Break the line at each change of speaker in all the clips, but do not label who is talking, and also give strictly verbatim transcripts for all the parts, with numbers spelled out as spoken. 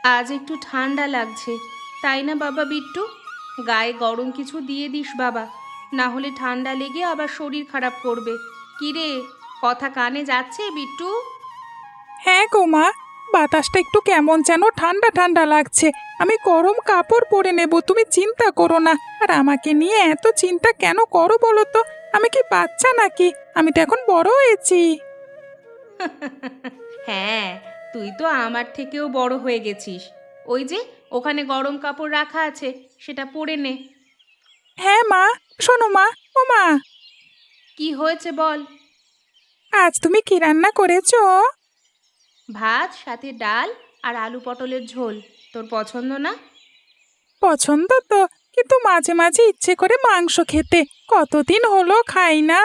আজ একটু ঠান্ডা লাগছে, তাই না বাবা বিট্টু? গায়ে গরম কিছু দিয়ে দিস বাবা, না হলে ঠান্ডা লেগে আবার শরীর খারাপ করবে। কি রে, কথা কানে যাচ্ছে বিট্টু?
হ্যাঁ গো মা, বাতাসটা একটু কেমন যেন ঠান্ডা ঠান্ডা লাগছে। আমি গরম কাপড় পরে নেব, তুমি চিন্তা করো না। আর আমাকে নিয়ে এত চিন্তা কেন করো বলো তো? আমি কি বাচ্চা নাকি? আমি তো এখন বড় হয়েছি।
হ্যাঁ, তুই তো আমার থেকেও বড় হয়ে গেছিস। ওই যে ওখানে গরম কাপড় রাখা আছে, সেটা পরে নে।
হ্যাঁ মা, শোনো মা, ও মা,
কি হয়েছে বল।
আজ তুমি কি রান্না করেছো?
ভাত, সাথে ডাল আর আলু পটলের ঝোল। তোর পছন্দ না?
পছন্দ তো, কিন্তু মাঝে মাঝে ইচ্ছে করে মাংস খেতে। কতদিন হলো খাই না।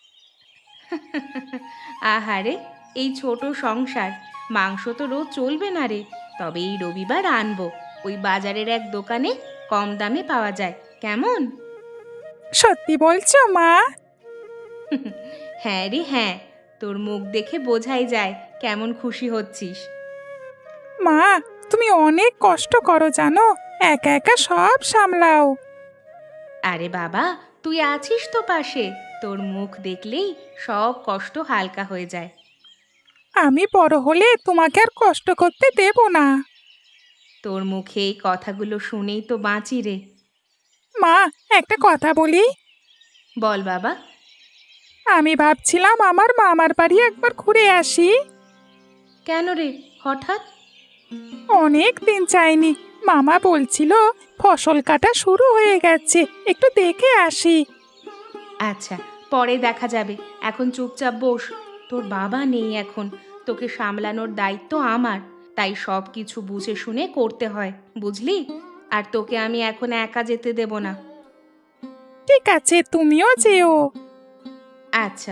আহারে, এই ছোট সংসার, মাংস তো রোজ চলবে না রে। তবে এই রবিবার আনবো, ওই বাজারের এক দোকানে কম দামে পাওয়া যায়। কেমন?
সত্যি বলছো মা?
হ্যাঁ রে হ্যাঁ, তোর মুখ দেখে বোঝাই যায় কেমন খুশি হচ্ছিস।
মা, তুমি অনেক কষ্ট করো জানো, একা একা সব সামলাও।
আরে বাবা, তুই আছিস তো পাশে, তোর মুখ দেখলেই সব কষ্ট হালকা হয়ে যায়।
আমি বড় হলে তোমাকে আর কষ্ট করতে দেব না।
তোর মুখে এই কথাগুলো শুনেই তো বাঁচি রে।
মা, একটা কথা বলি।
বল বাবা।
আমি ভাবছিলাম আমার মামার বাড়ি একবার ঘুরে আসি।
কেন রে, হঠাৎ?
অনেক দিন যাইনি। মামা বলছিল ফসল কাটা শুরু হয়ে গেছে, একটু দেখে আসি।
আচ্ছা, পরে দেখা যাবে, এখন চুপচাপ বস। তোর বাবা নেই এখন, তোকে সামলানোর দায়িত্ব আমার, তাই সব কিছু বুঝে শুনে করতে হয়, বুঝলি? আর তোকে আমি এখন একা যেতে দেব না।
ঠিক আছে, তুমিও যেও।
আচ্ছা।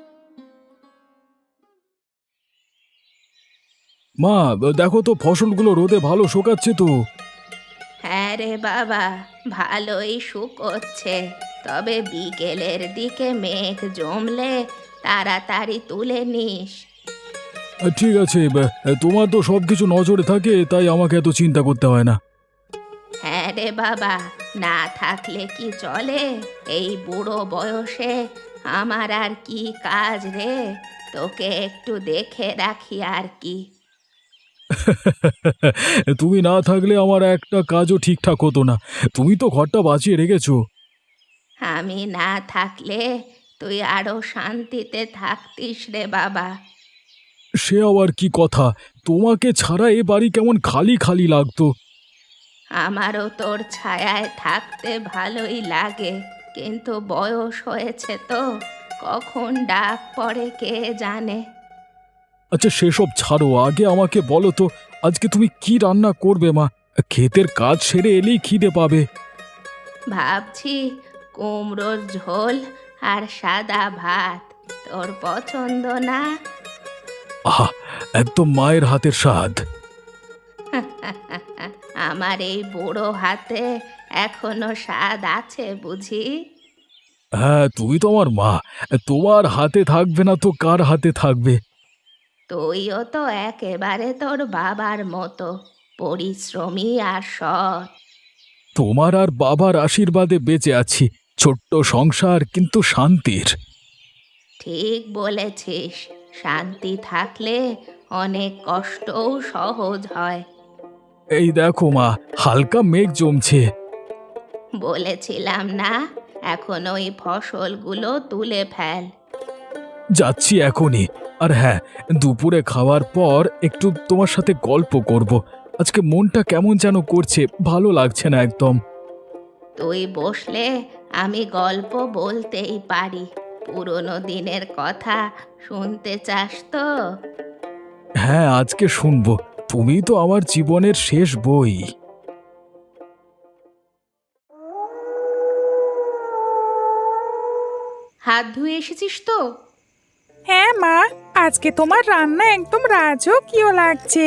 মা, দেখো তো ফসলগুলো রোদে ভালো শুকাচ্ছে তো।
হ্যাঁ রে বাবা, ভালোই শুকোচ্ছে। তবে বিকেলের দিকে মেঘ জমলে তাড়াতাড়ি তুলে নিস।
আহ, ঠিক আছে, বা, তোমার তো সব কিছু নজরে থাকে, তাই আমাকে এত চিন্তা করতে হয় না।
হ্যাঁ রে বাবা, না থাকলে কি চলে? এই বুড়ো বয়সে আমার আর কি কাজ রে? তোকে একটু দেখে রাখি আর কি।
তুমি না থাকলে আমার একটা কাজও ঠিকঠাক হতো না। তুমি তো ঘরটা বাঁচিয়ে রেখেছো।
আমি না থাকলে তুই আরো শান্তিতে থাকতিস রে বাবা।
সে আবার কি কথা! তোমাকে ছাড়া এ বাড়ি কেমন খালি খালি লাগতো।
আমারও তোর ছায়ায় থাকতে ভালোই লাগে, কিন্তু বয়স হয়েছে তো, কখন ডাক পড়ে কে জানে।
আচ্ছা সেসব ছাড়ো, আগে আমাকে বলো তো, আজকে তুমি কি রান্না করবে মা? ক্ষেতের কাজ সেরে এলেই খিদে পাবে।
ভাবছি কুমড়োর ঝোল আর সাদা ভাত। তোর পছন্দ না?
আহা, একদম মায়ের হাতের স্বাদ।
আমার এই বুড়ো হাতে এখনো স্বাদ আছে বুঝি?
হ্যাঁ, তুমি তো আমার মা। তোমার হাতে থাকবে না তো কার হাতে থাকবে?
তুইও তো একেবারে তোর বাবার মতো পরিশ্রমী আর সৎ।
তোমার আর বাবার আশীর্বাদে বেঁচে আছি। ছোট্ট সংসার, কিন্তু শান্তির।
ঠিক বলেছিস, শান্তি থাকলে অনেক কষ্টও সহজ হয়।
এই দেখো মা, হালকা মেঘ জমছে।
বলেছিলাম না, এখন ওই ফসলগুলো তুলে ফেল।
যাচ্ছি এখনই। আর হ্যাঁ, দুপুরে খাওয়ার পর একটু তোমার সাথে গল্প করব। আজকে মনটা কেমন যেন করছে, ভালো লাগছে না একদম।
তুই বসলে আমি গল্প বলতেই পারি। পুরনো দিনের কথা শুনতে চাস তো?
হ্যাঁ, আজকে শুনবো। তুমি তো আমার জীবনের শেষ বই।
হাত ধুয়ে এসেছিস তো?
হ্যাঁ মা, আজকে তোমার রান্না একদম রাজকীয় লাগছে।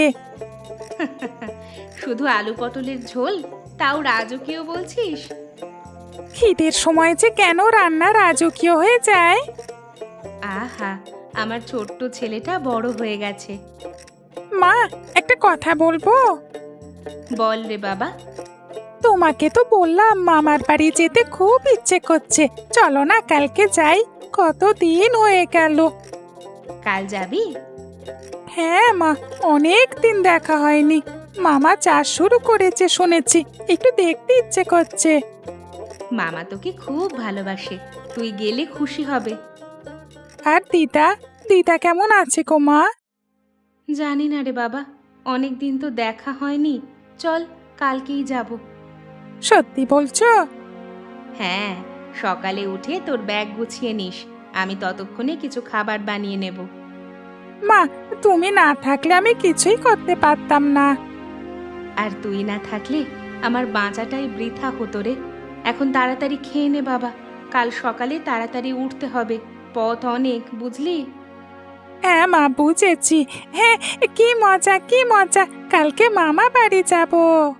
শুধু আলু পটলের ঝোল, তাও রাজকীয় বলছিস?
খিদের সময় যে কেন রান্না রাজকীয় হয়ে যায়।
আহা, আমার ছোট্ট ছেলেটা বড় হয়ে গেছে।
মা, একটা কথা বলবো?
বল রে বাবা।
তোমাকে তো বললাম মামার বাড়ি যেতে খুব ইচ্ছে করছে, চলো না কালকে যাই, কতদিন হয়ে গেল।
কাল যাবি?
হ্যাঁ মা, অনেক দিন দেখা হয়নি। মামা চাষ শুরু করেছে শুনেছি, একটু দেখতে ইচ্ছে করছে।
মামা তোকে খুব ভালোবাসে, তুই গেলে খুশি হবে।
আর দিদা, দিদা কেমন আছে গো মা?
জানি না রে বাবা, অনেক দিন তো দেখা হয়নি। চল কালকেই যাব।
সত্যি বলছো?
হ্যাঁ, সকালে উঠে তোর ব্যাগ গুছিয়ে নিস, আমি ততক্ষণে কিছু খাবার বানিয়ে নেব।
মা, তুমি না থাকলে আমি কিছুই করতে পারতাম না।
আর তুই না থাকলে আমার বাঁচাটাই বৃথা হতো রে। এখন তাড়াতাড়ি খেয়ে নে বাবা, কাল সকালে তাড়াতাড়ি উঠতে হবে, পথ অনেক, বুঝলি?
হ্যাঁ মা, বুঝেছি। হ্যাঁ, কি মজা কি মজা, কালকে মামা বাড়ি যাব।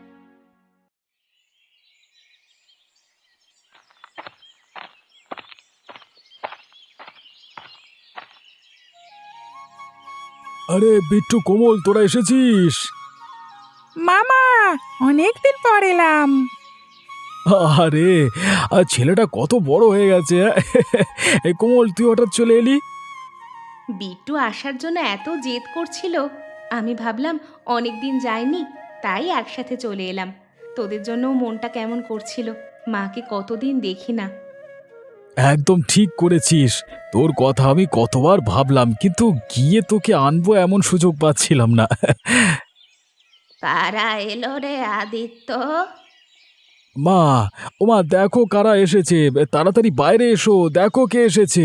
আরে বিট্টু, কোমল, তোরা এসেছিস?
মামা, অনেকদিন পর এলাম।
আরে, আর ছেলেটা কত বড় হয়ে গেছে! এই কোমল, তুই হঠাৎ চলে এলি?
বিট্টু আসার জন্য এত জেদ করছিল, আমি ভাবলাম অনেক দিন যায়নি, তাই একসাথে চলে এলাম। তোদের জন্যও মনটা কেমন করছিল, মাকে কতদিন দেখি না।
একদম ঠিক করেছিস। তোর কথা আমি কতবার ভাবলাম, কিন্তু গিয়ে তোকে আনবো এমন সুযোগ পাচ্ছিলাম না।
কারা এলো রে আদিত্য?
মা, ওমা, দেখো কারা এসেছে, তাড়াতাড়ি বাইরে এসো, দেখো কে এসেছে।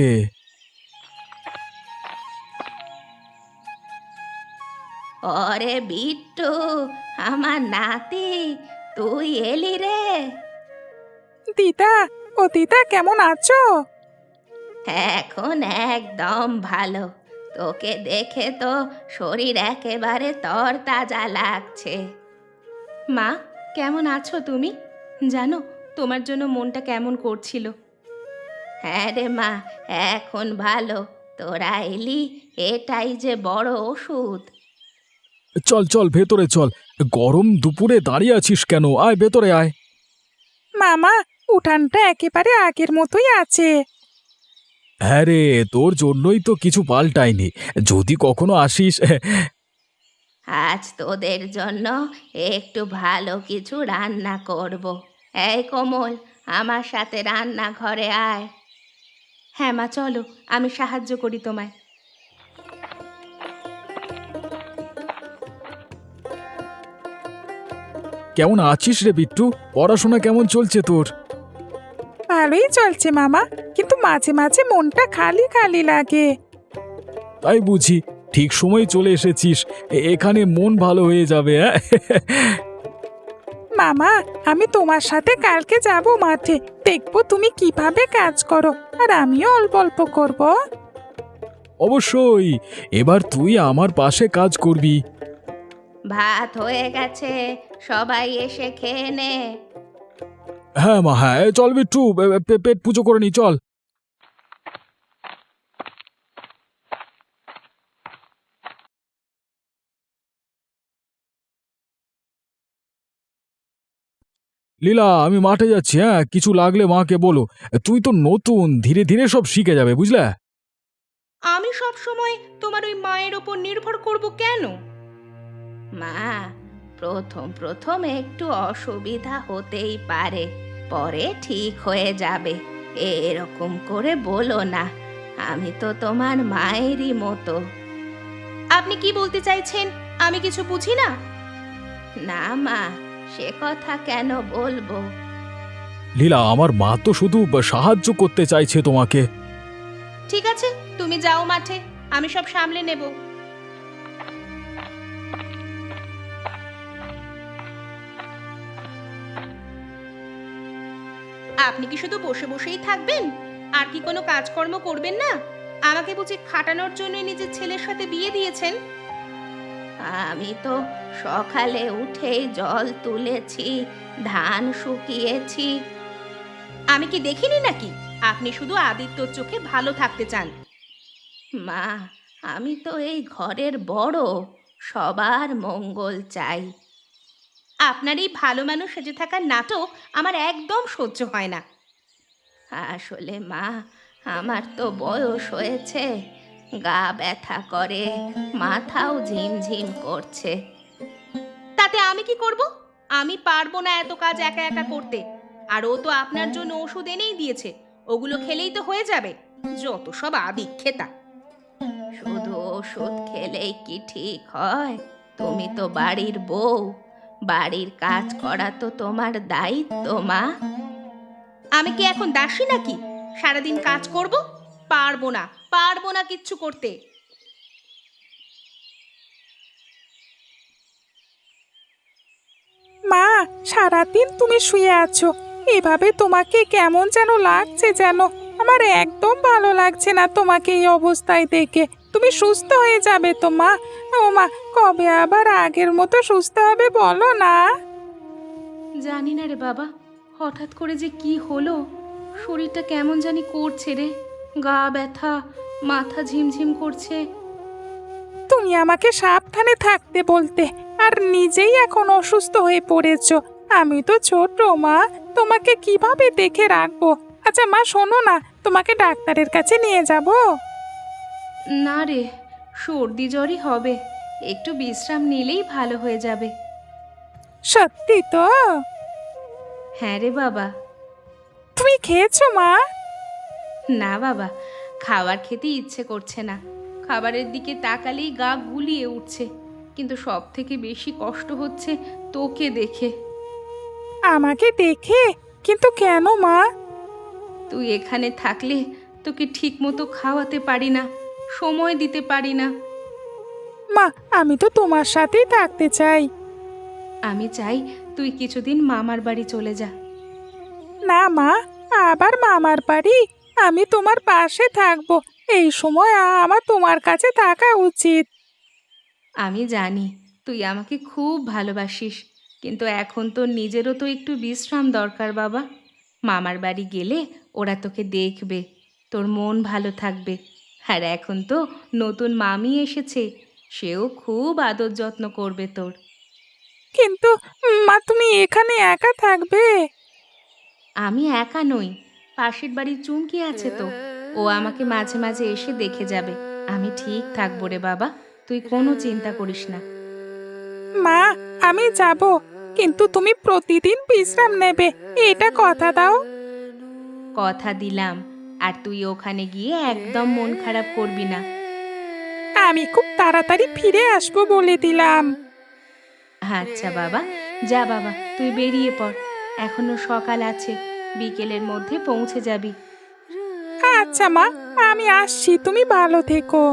ওরে বিট্টু, আমার নাতি, তুই এলি রে?
দিদা, ও দিদা কেমন আছো?
এখন একদম ভালো, তোকে দেখে তো শরীর একেবারে তরতাজা লাগছে। মা, কেমন আছো তুমি? জানো, তোমার জন্য মনটা কেমন করছিল। হ্যাঁ রে মা, এখন ভালো, তোরা এলি, এটাই যে বড় ওষুধ।
চল চল ভেতরে চল, গরম দুপুরে দাঁড়িয়ে আছিস কেন? আয় ভেতরে আয়।
মামা, উঠানটা একেবারে আগের মতোই আছে।
হ্যাঁ রে, তোর জন্যই তো কিছু পাল্টায়নি, যদি কখনো আসিস।
আজ তোদের জন্য একটু ভালো কিছু রান্না করব। এই কোমল, আমার সাথে রান্নাঘরে আয়। হ্যাঁ মা, চলো, আমি সাহায্য করি তোমায়।
কেমন আছিস রে বিট্টু? পড়াশোনা কেমন চলছে তোর?
ভালোই চলছে মামা, কিন্তু মাঝে মাঝে মনটা খালি খালি লাগে।
তাই বুঝি, ঠিক সময় চলে এসেছিস, এ- এখানে মন ভালো হয়ে যাবে। হ্যাঁ,
মামা, আমি তোমার সাথে কালকে যাব মাঠে, দেখবো তুমি কিভাবে কাজ করো, আর আমিও অল্প অল্প করব।
অবশ্যই, এবার তুই আমার পাশে কাজ করবি।
ভাত হয়ে গেছে, সবাই এসে খেয়ে নে।
হ্যাঁ মা, হ্যাঁ, চল বিট্টু, পে- পে- পেট পুজো করে নি, চল। লীলা, আমি মাঠে যাচ্ছি, হ্যাঁ, কিছু লাগলে মাকে বলো। তুই তো নতুন, ধীরে ধীরে সব শিখে যাবে, বুঝলে?
আমি সব সময় তোমার ওই মায়ের ওপর নির্ভর করব কেন? মা, প্রথম প্রথম একটু অসুবিধা হতেই পারে, পরে ঠিক হয়ে যাবে। এরকম করে বলো না, আমি তো তোমার মায়েরই মতো। আপনি কি বলতে চাইছেন? আমি কিছু বুঝি না। না মা, সে কথা কেন বলবো?
লীলা, আমার মা তো শুধু সাহায্য করতে চাইছে তোমাকে।
ঠিক আছে, তুমি যাও মাঠে, আমি সব সামলে নেব। আপনি কি শুধু বসে বসেই থাকবেন? আর কি কোনো কাজকর্ম করবেন না? আমাকে বুঝি খাটানোর জন্য নিজের ছেলের সাথে বিয়ে দিয়েছেন? আমি তো সকালে উঠেই জল তুলেছি, ধান শুকিয়েছি। আমি কি দেখিনি নাকি আপনি শুধু আদিত্যর চোখে ভালো থাকতে চান? মা, আমি তো এই ঘরের বড়, সবার মঙ্গল চাই। আপনার এই ভালো মানুষ সেজে থাকার নাটক আমার একদম সহ্য হয় না। আসলে মা, আমার তো বয়স হয়েছে, গা ব্যথা করে, মাথাও ঝিমঝিম করছে। তাতে আমি কি করব? আমি পারবো না এত কাজ একা একা করতে। আর ও তো আপনার জন্য ওষুধ এনেই দিয়েছে, ওগুলো খেলেই তো হয়ে যাবে। যত সব আদিক্ষেতা। শুধু ওষুধ খেলেই কি ঠিক হয়? তুমি তো বাড়ির বউ, বাড়ির কাজ করা তো তোমার দায়িত্ব মা। আমি কি এখন দাসী নাকি সারাদিন কাজ করব? পারবো না, পারবো না কিচ্ছু করতে।
মা, সারাদিন তুমি শুয়ে আছো, এভাবে তোমাকে কেমন যেন লাগছে, যেন আমার একদম ভালো লাগছে না তোমাকে এই অবস্থায় দেখে। তুমি সুস্থ হয়ে যাবে তো মা? ও মা, কবে আবার আগের মতো সুস্থ হবে বলো না?
জানি না রে বাবা, হঠাৎ করে যে কি হলো, শরীরটা কেমন জানি করছে রে। গা ব্যথা, মাথা ঝিমঝিম করছে।
তুমি আমাকে সাবধানে থাকতে বলতে, আর নিজেই এখন অসুস্থ হয়ে পড়েছো। আমি তো ছোট মা, তোমাকে কিভাবে দেখে রাখবো? আচ্ছা মা, শোনো না, তোমাকে ডাক্তারের কাছে নিয়ে যাব।
না রে, সর্দি জ্বরই হবে, একটু বিশ্রাম নিলেই ভালো হয়ে যাবে।
সত্যি তো?
হ্যাঁ রে বাবা।
তুমি খেয়েছো মা?
না বাবা, খাবার খেতে ইচ্ছে করছে না। খাবারের দিকে তাকালেই গা গুলিয়ে উঠছে। কিন্তু সব থেকে বেশি কষ্ট হচ্ছে তোকে দেখে।
আমাকে দেখে? কিন্তু কেন মা?
তুই এখানে থাকলে তোকে ঠিক মতো খাওয়াতে পারি না, সময় দিতে পারি না।
মা, আমি তো তোমার সাথেই থাকতে চাই।
আমি চাই তুই কিছুদিন মামার বাড়ি চলে যা।
না মা, আবার মামার বাড়ি? আমি তোমার পাশে থাকবো, এই সময় আমার তোমার কাছে থাকা উচিত।
আমি জানি তুই আমাকে খুব ভালোবাসিস, কিন্তু এখন তোর নিজেরও তো একটু বিশ্রাম দরকার বাবা। মামার বাড়ি গেলে ওরা তোকে দেখবে, তোর মন ভালো থাকবে। আর এখন তো নতুন মামি এসেছে, সেও খুব আদর যত্ন করবে তোর।
কিন্তু মা, তুমি এখানে একা থাকবে?
আমি একা নই, পাশের বাড়ির চুমকি আছে তো, ও আমাকে মাঝে মাঝে এসে দেখে যাবে। আমি ঠিক থাকবো রে বাবা, তুই কোনো চিন্তা করিস না।
মা, আমি যাব, কিন্তু তুমি প্রতিদিন বিশ্রাম নেবে, এটা কথা দাও।
কথা দিলাম, আর তুই ওখানে গিয়ে একদম মন খারাপ করবি না।
আমি খুব তাড়াতাড়ি ফিরে আসবো বলে দিলাম।
আচ্ছা বাবা, যা বাবা, তুই বেরিয়ে পড়, এখনো সকাল আছে, বিকেলের মধ্যে পৌঁছে যাবি।
আচ্ছা মা, আমি আসছি, তুমি ভালো থেকো।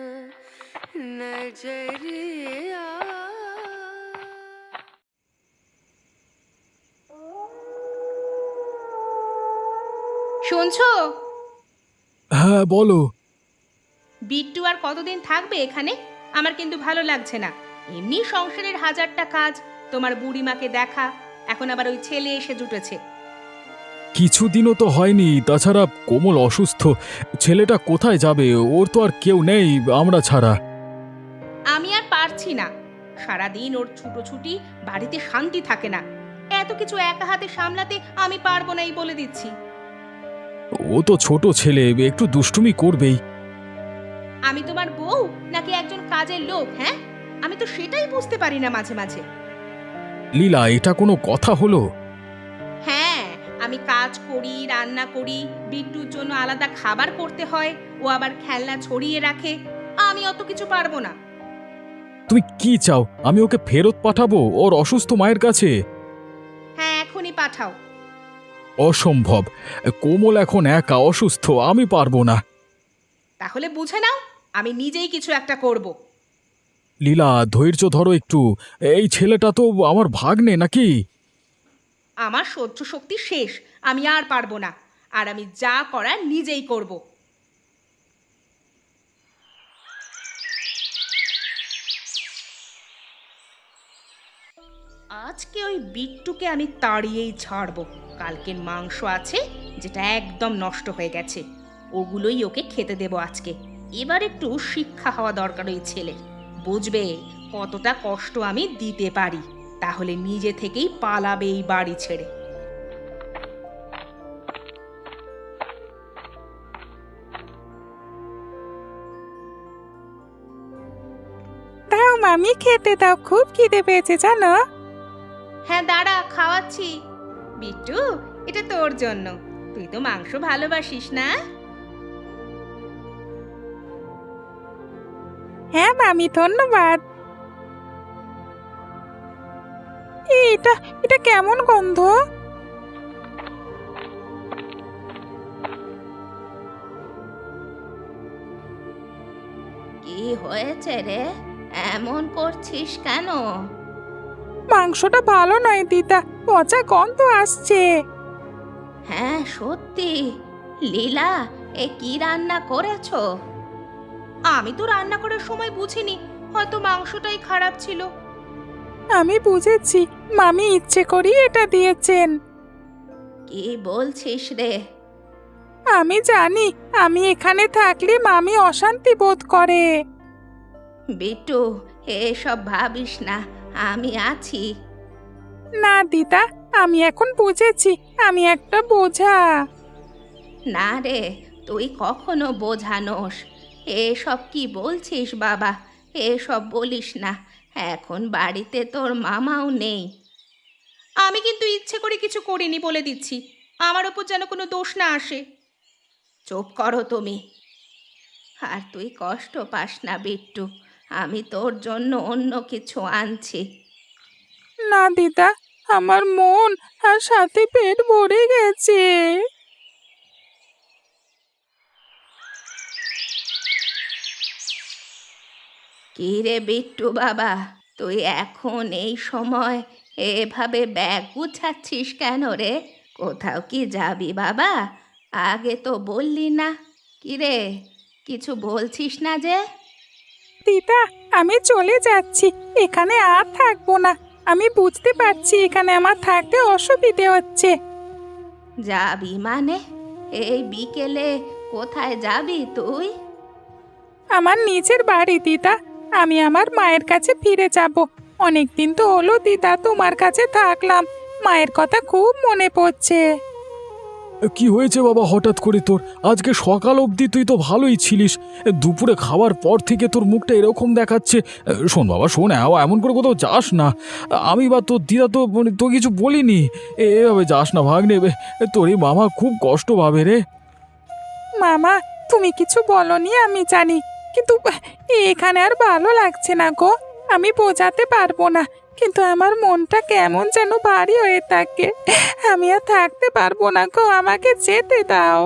শুনছো?
হ্যাঁ বলো।
বিট্টু আর কতদিন থাকবে এখানে? আমার কিন্তু ভালো লাগছে না। এমনি সংসারের হাজারটা কাজ, তোমার বুড়িমাকে দেখা, এখন আবার ওই ছেলে এসে জুটেছে।
কিছুদিনও তো হয়নি, তাছাড়া কোমল অসুস্থ, ছেলেটা কোথায় যাবে? ওর তো আর কেউ নেই আমরা ছাড়া।
আমি আর পারছি না, সারাদিন ওর ছুটোছুটি, বাড়িতে শান্তি থাকে না। এত কিছু একা হাতে সামলাতে আমি পারবো না, এই বলে দিচ্ছি।
ও তো ছোট ছেলে, একটু দুষ্টুমি করবেই।
আমি তোমার বউ নাকি একজন কাজের লোক? হ্যাঁ, আমি তো সেটাই বুঝতে পারি না মাঝে মাঝে।
লীলা, এটা কোনো কথা হলো?
হ্যাঁ, আমি কাজ করি, রান্না করি, বিট্টুর জন্য আলাদা খাবার করতে হয়, ও আবার খেলনা ছড়িয়ে রাখে। আমি অত কিছু পারবো না।
তুমি কি চাও? আমি ওকে ফেরত পাঠাবো ওর অসুস্থ মায়ের কাছে?
হ্যাঁ, এখনই পাঠাও।
অসম্ভব, কোমল এখন একা অসুস্থ, আমি পারবো না।
তাহলে বুঝে নাও, আমি নিজেই কিছু একটা করব।
লীলা, ধৈর্য ধরো একটু, এই ছেলেটা তো আমার ভাগ্নে নাকি?
আমার সহ্য শক্তি শেষ, আমি আর পারবো না। আর আমি যা করার নিজেই করব। আজকে ওই বিট্টুকে আমি তাড়িয়েই ছাড়বো। কালকের মাংস আছে, যেটা একদম নষ্ট হয়ে গেছে, ওগুলোই ওকে খেতে দেবো আজকে। এবার একটু শিক্ষা হওয়া দরকার ওই ছেলের, বুঝবে কতটা কষ্ট আমি দিতে পারি। তাহলে নিজে থেকেই পালাবে এই বাড়ি ছেড়ে।
দাও মামি, খেতে দাও, খুব খিদে পেয়েছে জানো।
হ্যাঁ দাঁড়া, খাওয়াচ্ছি। বিট্টু, এটা তোর জন্য, তুই তো মাংস ভালোবাসিস না?
হ্যাঁ মামি, ধন্যবাদ। এটা এটা কেমন গন্ধ?
কি হয়েছে রে, এমন করছিস কেন?
মাংসটা ভালো নয় দিদা, পচা গন্ধ আসছে।
হ্যাঁ সত্যি। লীলা, এ কি রান্না করেছো? আমি তো রান্না করার সময় বুঝিনি, হয়তো মাংসটাই খারাপ ছিল।
আমি বুঝেছি, মামি ইচ্ছে করি এটা দিয়েছেন।
কি বলছিস রে?
আমি জানি, আমি এখানে থাকলে মামি অশান্তি বোধ করে।
বিট্টু, এসব ভাবিস না, আমি আছি।
না দিদা, আমি এখন বুঝেছি আমি একটা বোঝা।
না রে, তুই কখনো বোঝানোস। এসব কি বলছিস বাবা, এসব বলিস না। এখন বাড়িতে তোর মামাও নেই। আমি কিন্তু ইচ্ছে করে কিছু করিনি বলে দিচ্ছি, আমার ওপর যেন কোনো দোষ না আসে। চুপ করো তুমি। আর তুই কষ্ট পাস না বিট্টু, আমি তোর জন্য অন্য কিছু আনছি।
না দিদা, আমার মন আর সাথে পেট ভরে গেছে।
কি রে বিট্টু বাবা, তুই এখন এই সময় এভাবে ব্যাগ গুছাচ্ছিস কেন রে? কোথাও কি যাবি বাবা? আগে তো বললি না। কি রে, কিছু বলছিস না যে?
দিদা, আমি চলে যাচ্ছি, এখানে আর থাকবো না। আমি বুঝতে পারছি এখানে আমার থাকতে অসুবিধে হচ্ছে।
যাবি মানে? এই বিকেলে কোথায় যাবি তুই?
আমার নিজের বাড়ি দিদা, আমি আমার মায়ের কাছে ফিরে যাব। অনেকদিন তো হলো দিদা তোমার কাছে থাকলাম, মায়ের কথা খুব মনে পড়ছে।
কি হয়েছে বাবা হঠাৎ করে তোর? আজকে সকাল অবধি তুই তো ভালোই ছিলিস, দুপুরে খাওয়ার পর থেকে তোর মুখটা এরকম দেখাচ্ছে। শোন বাবা শোন, এ- এমন করে কোথাও যাস না। আমি বা তোর দিদা তো মানে তো কিছু বলিনি। এ- এভাবে যাস না ভাগ্নে, এ, তোর এই মামা খুব কষ্ট পাবে রে।
মামা, তুমি কিছু বলনি আমি জানি, কিন্তু এখানে আর ভালো লাগছে না গো। আমি বোঝাতে পারবো না, কিন্তু আমার মনটা কেমন যেন ভারী হয়ে থাকে। আমি আর থাকতে পারবো না গো, আমাকে যেতে দাও।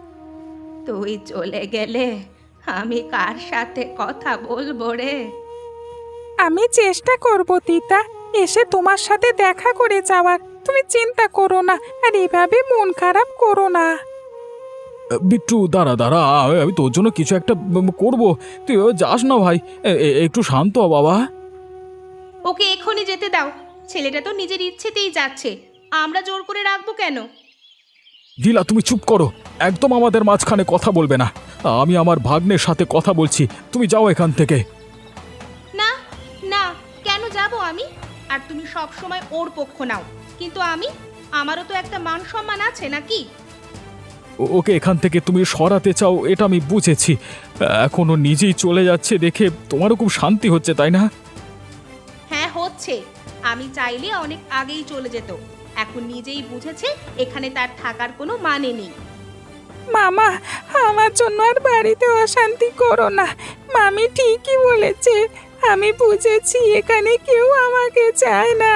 তুই চলে গেলে আমি কার সাথে কথা বলবো রে?
আমি চেষ্টা করব দিদা, এসে তোমার সাথে দেখা করে যাওয়ার। তুমি চিন্তা করো না, আর এভাবে মন খারাপ করো না।
বিট্টু দাঁড়া দাঁড়া, আ- আমি তোর জন্য কিছু একটা উম, করবো। তুই এভাবে যাস না ভাই, এ- এ- একটু শান্ত হ বাবা।
ওকে এখনই যেতে দাও, ছেলেটা তো নিজের ইচ্ছেতেই যাচ্ছে, আমরা জোর করে রাখবো কেন?
লীলা তুমি চুপ করো, একদম আমাদের মাঝখানে কথা বলবে না। আমি আমার ভাগ্নের সাথে কথা বলছি, তুমি যাও এখান থেকে।
না না, কেন যাব আমি? আর তুমি সব সময় ওর পক্ষ নাও, কিন্তু আমি, আমারও তো একটা মান সম্মান আছে নাকি?
ও- ওকে এখান থেকে তুমি সরাতে চাও, এটা আমি বুঝেছি। এখনো নিজেই চলে যাচ্ছে দেখে তোমারও খুব শান্তি হচ্ছে, তাই না?
হ্যাঁ হচ্ছে, আমি চাইলে অনেক আগেই চলে যেত। এখন নিজেই বুঝেছে এখানে তার থাকার কোনো মানে নেই।
মামা, আমার জন্য আর বাড়িতে অশান্তি করো না। মামি ঠিকই বলেছে, আমি বুঝেছি এখানে কেউ আমাকে চায় না।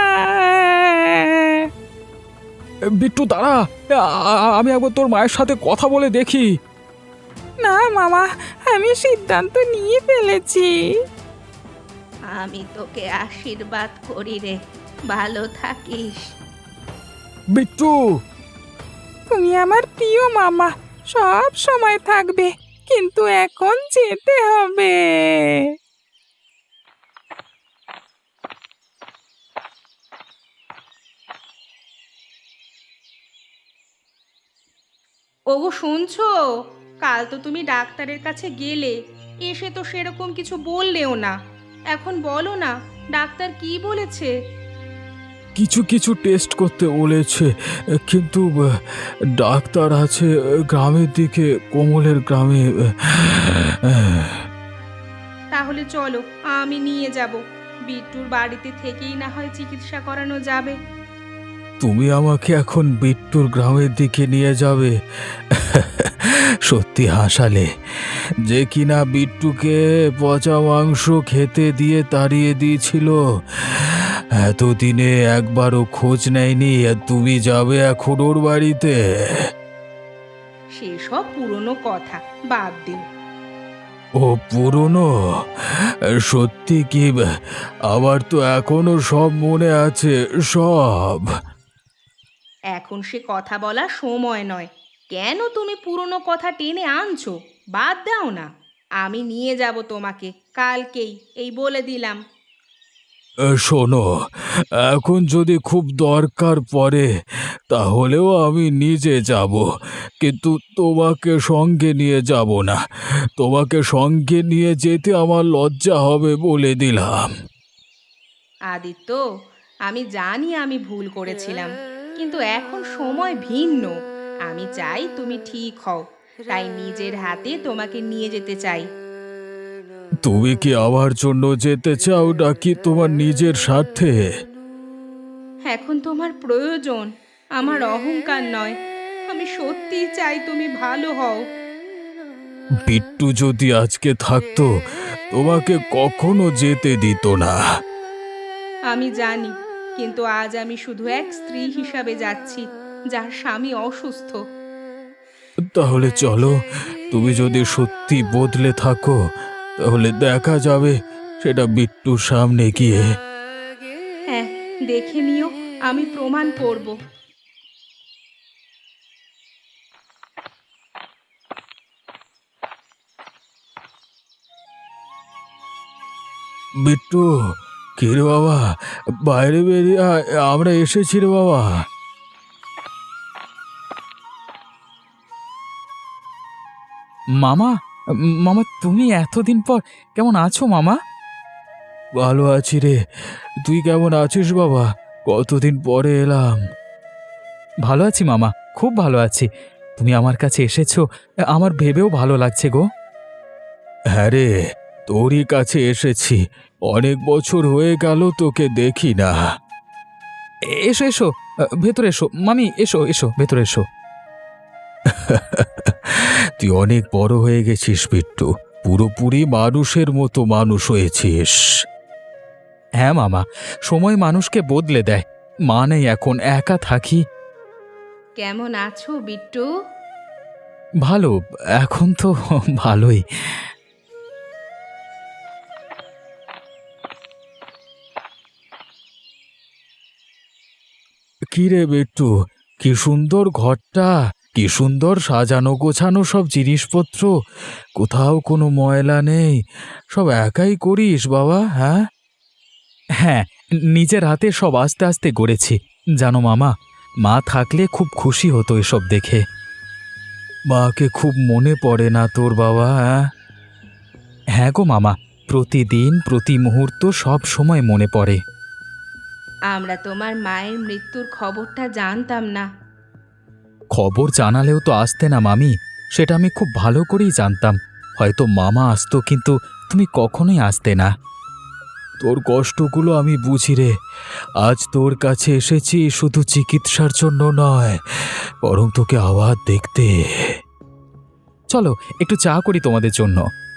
বিট্টু দাঁড়া, আ- আ- আমি একবার তোর মায়ের সাথে কথা বলে দেখি।
না মামা, আমি সিদ্ধান্ত নিয়ে ফেলেছি।
আমি তোকে আশীর্বাদ করি রে, ভালো থাকিস।
বিট্টু,
তুমি আমার প্রিয় মামা, সব সময় থাকবে, কিন্তু এখন যেতে হবে।
ওগো শুনছো? কাল তো তুমি ডাক্তারের কাছে গেলে, এসে তো সেরকম কিছু বললেও না। এখন বলো না, ডাক্তার কি বলেছে?
কিছু কিছু টেস্ট করতে বলেছে, কিন্তু আহ, ডাক্তার আছে গ্রামের দিকে, কোমলের গ্রামে। আহ,
তাহলে চলো, আমি নিয়ে যাব। বিট্টুর বাড়িতে থেকেই না হয় চিকিৎসা করানো যাবে।
তুমি আমাকে এখন বিট্টুর গ্রামের দিকে নিয়ে যাবে? সত্যি হাসালে। যে কিনা বিট্টুকে পচা মাংস খেতে দিয়ে তাড়িয়ে দিয়েছিল, এতদিনে একবারও খোঁজ নেয়নি, আর তুমি যাবে এখন ওর বাড়িতে?
সেসব পুরনো কথা বাদ দিন।
ও পুরনো? সত্যি কি? আবার তো এখনো সব মনে আছে, সব।
এখন সে কথা বলার সময় নয়। কেন তুমি পুরনো কথা টেনে আনছো? বাদ দাও না। আমি নিয়ে যাব তোমাকে কালকেই, এই বলে দিলাম।
শোনো, এখন যদি খুব দরকার পড়ে তাহলেও আমি নিজে যাব, কিন্তু তোমাকে সঙ্গে নিয়ে যাব না। তোমাকে সঙ্গে নিয়ে যেতে আমার লজ্জা হবে, বলে দিলাম।
আদিত্য, আমি জানি আমি ভুল করেছিলাম, কিন্তু এখন সময় ভিন্ন। আমি চাই তুমি ঠিক হও, তাই নিজের হাতে তোমাকে নিয়ে যেতে চাই।
তুমি কি আমার জন্য যেতে চাও, নাকি তোমার নিজের স্বার্থে?
এখন তোমার প্রয়োজন, আমার অহংকার নয়। আমি সত্যিই চাই তুমি ভালো হও।
বিট্টু যদি আজকে থাকতো, তোমাকে কখনো যেতে দিত না।
আমি জানি, কিন্তু আজ আমি শুধু এক স্ত্রী হিসাবে যাচ্ছি, যার স্বামী অসুস্থ।
তাহলে চলো, তুমি যদি সত্যি বদলে থাকো তাহলে দেখা যাবে সেটা বিট্টুর সামনে গিয়ে।
হ্যাঁ, দেখে নিও, আমি প্রমাণ করব।
বিট্টু, কি রে বাবা, বাইরে বেরিয়ে আয়, আমরা এসেছি রে বাবা।
মামা, মামা তুমি এতদিন পর কেমন আছো মামা?
ভালো আছি রে, তুই কেমন আছিস বাবা? কতদিন পরে এলাম।
ভালো আছি মামা, খুব ভালো আছি। তুমি আমার কাছে এসেছো, আমার ভেবেও ভালো লাগছে গো।
হ্যাঁ রে, তোরই কাছে এসেছি। অনেক বছর হয়ে গেল তোকে দেখি না।
এসো এসো, ভেতরে এসো মামি, এসো এসো ভেতরে এসো।
তুই অনেক বড় হয়ে গেছিস বিট্টু, পুরোপুরি মানুষের মতো মানুষ হয়েছিস।
হ্যাঁ মামা, সময় মানুষকে বদলে দেয়। মা নেই এখন, একা থাকি।
কেমন আছো বিট্টু?
ভালো, এখন তো ভালোই।
কি রে বিট্টু, কি সুন্দর ঘরটা, কি সুন্দর সাজানো গোছানো সব জিনিসপত্র, কোথাও কোনো ময়লা নেই। সব একাই করিস বাবা? হ্যাঁ
হ্যাঁ, নিজের হাতে সব আস্তে আস্তে গড়েছি। জানো মামা, মা থাকলে খুব খুশি হতো এসব দেখে।
মাকে খুব মনে পড়ে না তোর বাবা? হ্যাঁ
হ্যাঁ গো মামা, প্রতিদিন প্রতি মুহূর্ত সব সময় মনে পড়ে।
আমরা তোমার মায়ের মৃত্যুর খবরটা জানতাম না।
খবর জানালেও তো আসতে না মামি, সেটা আমি খুব ভালো করেই জানতাম। হয়তো মামা আসতো, কিন্তু তুমি কখনোই আসতে না।
তোর কষ্টগুলো আমি বুঝি রে। আজ তোর কাছে এসেছি শুধু চিকিৎসার জন্য নয়, বরং তোকে আবার দেখতে।
চলো একটু চা করি তোমাদের জন্য।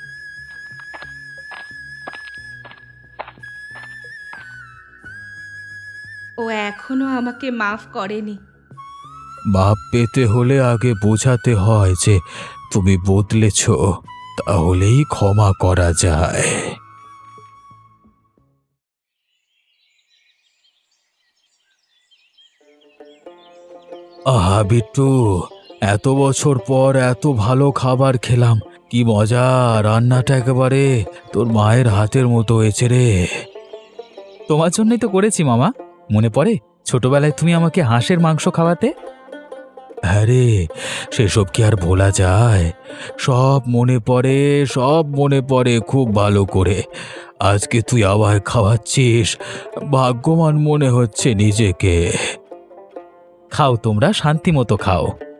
ও এখনো আমাকে মাফ করেনি।
মাপ পেতে হলে আগে বোঝাতে হয় যে তুমি বদলেছ, তাহলেই ক্ষমা করা যায়। আহা বিট্টু, এত বছর পর এত ভালো খাবার খেলাম, কি মজা! রান্নাটা একেবারে তোর মায়ের হাতের মতো হয়েছে রে।
তোমার জন্যই তো করেছি মামা। মনে পড়ে ছোটবেলায় তুমি আমাকে হাঁসের মাংস খাওয়াতে?
আরে সেসব কি আর ভোলা যায়? সব মনে পড়ে, সব মনে পড়ে খুব ভালো করে। আজকে তুই আবার খাওয়াচ্ছিস, ভাগ্যবান মনে হচ্ছে নিজেকে। খাও, তোমরা শান্তি মতো খাও।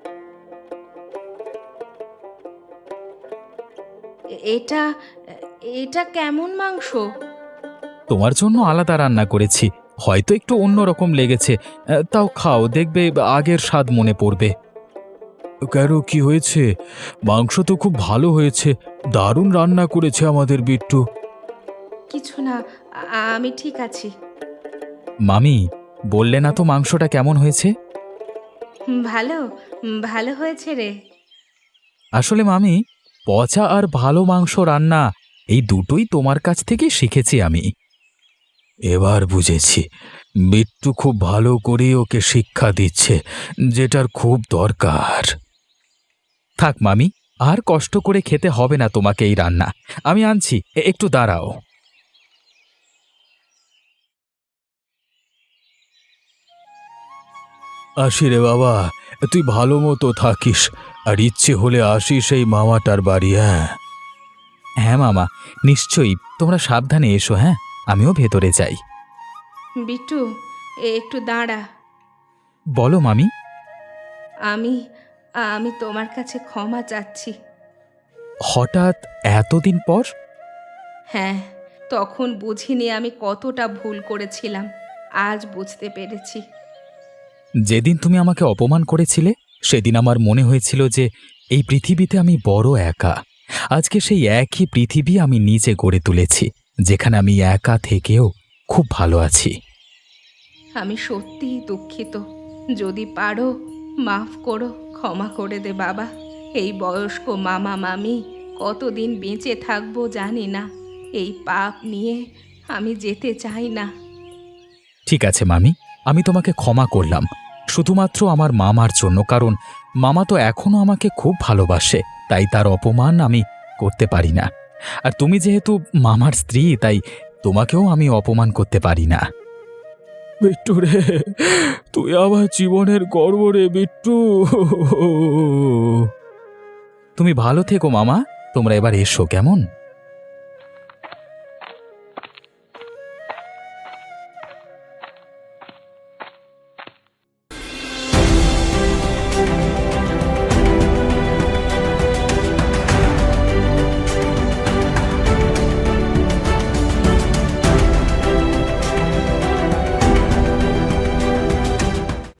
এ- এটা এটা কেমন মাংস?
তোমার জন্য আলাদা রান্না করেছি, হয়তো একটু অন্যরকম লেগেছে। আহ, তাও খাও, দেখবে আগের স্বাদ মনে পড়বে। কেন, কি হয়েছে? মাংস তো খুব ভালো হয়েছে, দারুণ রান্না করেছে আমাদের বিট্টু।
কিছু না, আ- আমি ঠিক আছি।
মামি, বললে না তো মাংসটা কেমন হয়েছে?
হুম, ভালো হুম, ভালো হয়েছে রে।
আসলে মামি, পচা আর ভালো মাংস রান্না এই দুটোই তোমার কাছ থেকে শিখেছি আমি। এবার বুঝেছি, বিট্টু খুব ভালো করে ওকে শিক্ষা দিচ্ছে, যেটার খুব দরকার। থাক মামি, আর কষ্ট করে খেতে হবে না তোমাকে এই রান্না। আমি আনছি, এ- একটু দাঁড়াও। আসি রে বাবা, তুই ভালো মতো থাকিস, আর ইচ্ছে হলে আসিস এই মামাটার বাড়ি। হ্যাঁ হ্যাঁ মামা, নিশ্চয়ই। তোমরা সাবধানে এসো। হ্যাঁ, আমিও ভেতরে যাই।
বিট্টু, এ একটু দাঁড়া।
বলো মামি।
আমি আমি তোমার কাছে ক্ষমা চাচ্ছি।
হঠাৎ এতদিন পর?
হ্যাঁ, তখন বুঝিনি আমি কতটা ভুল করেছিলাম। আজ বুঝতে পেরেছি।
যেদিন তুমি আমাকে অপমান করেছিলে, সেদিন আমার মনে হয়েছিল যে এই পৃথিবীতে আমি বড় একা। আজকে সেই একই পৃথিবী আমি নিজে গড়ে তুলেছি, যেখানে আমি একা থেকেও খুব ভালো আছি।
আমি সত্যিই দুঃখিত। যদি পারো মাফ করো, ক্ষমা করে দে বাবা। এই বয়স্ক মামা মামি কতদিন বেঁচে থাকবো জানি না। এই পাপ নিয়ে আমি যেতে চাই না।
ঠিক আছে মামি, আমি তোমাকে ক্ষমা করলাম, শুধুমাত্র আমার মামার জন্য। কারণ মামা তো এখনো আমাকে খুব ভালোবাসে, তাই তার অপমান আমি করতে পারি না। আর তুমি যেহেতু মামার স্ত্রী, তাই তোমাকেও আমি অপমান করতে পারি না। বিট্টু রে, তুই আমার জীবনের গর্ব রে বিট্টু। তুমি ভালো থেকো মামা, তোমরা এবার এসো কেমন।